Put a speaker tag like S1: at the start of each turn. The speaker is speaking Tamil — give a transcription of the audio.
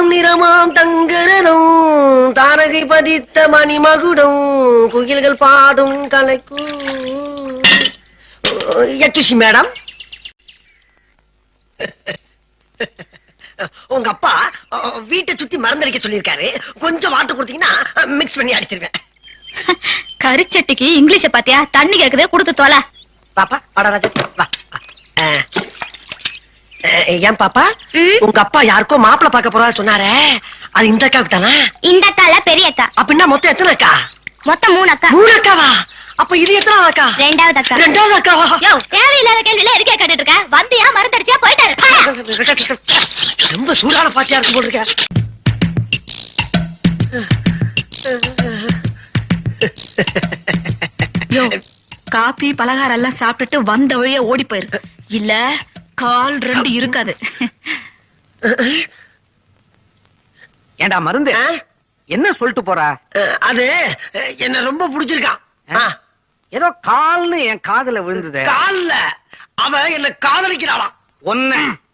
S1: பொன்னிறமாம் தங்கரனும் தாரகை பதித்த மணிமகுடம் குயில்கள் பாடும் கலைக்கு. யட்சுஷி மேடம், உங்க அப்பா வீட்டை சுத்தி மருந்தடிக்க சொல்லியிருக்காரு. கொஞ்சம் வாட்டர் கொடுத்தீங்கன்னா மிக்ஸ் பண்ணி அடிச்சிருவேன்.
S2: கரிச்சட்டிக்கு இங்கிலீஷ பாத்தியா? தண்ணி கேக்குதே, கொடுத்து தோல.
S1: பாப்பா வா. ஏன் பாப்பா, உங்க அப்பா யாருக்கோ மாப்பிள்ள பார்க்க போறா சொன்னாரே, அது இந்த அக்காவுக்கு தானா?
S2: இந்த அக்கால பெரிய அக்கா.
S1: அப்படின்னா மொத்தம் எத்தனை அக்கா?
S2: மொத்தம் 3 அக்கா.
S1: 3 அக்காவா? அப்ப இது எத்தனை அக்கா?
S2: 2வது அக்கா.
S1: 2வது அக்காவா?
S2: யோ, தேவையில்லாத கேள்வியில எதுக்கே கேட்டுட்டு இருக்க? வந்தியா மருந்தடிச்சியா போயிட்டாரு.
S1: ரொம்ப சூடான பாட்டியா இருக்கும் போல இருக்க.
S2: யோ, காபி பலகாரம் எல்லாம் சாப்பிட்டுட்டு வந்த வழியே ஓடி போயிரு. இல்ல கால் 2 இருக்காது.
S3: ஏண்டா மருந்து என்ன சொல்லிட்டு போற?
S1: அது என்ன ரொம்ப பிடிச்சிருக்கான்.
S3: ஏதோ கால்னு என் காதுல விழுந்தது.
S1: கால்ல அவ என்ன காதலிக்கிறாளாம்.
S3: ஒன்னு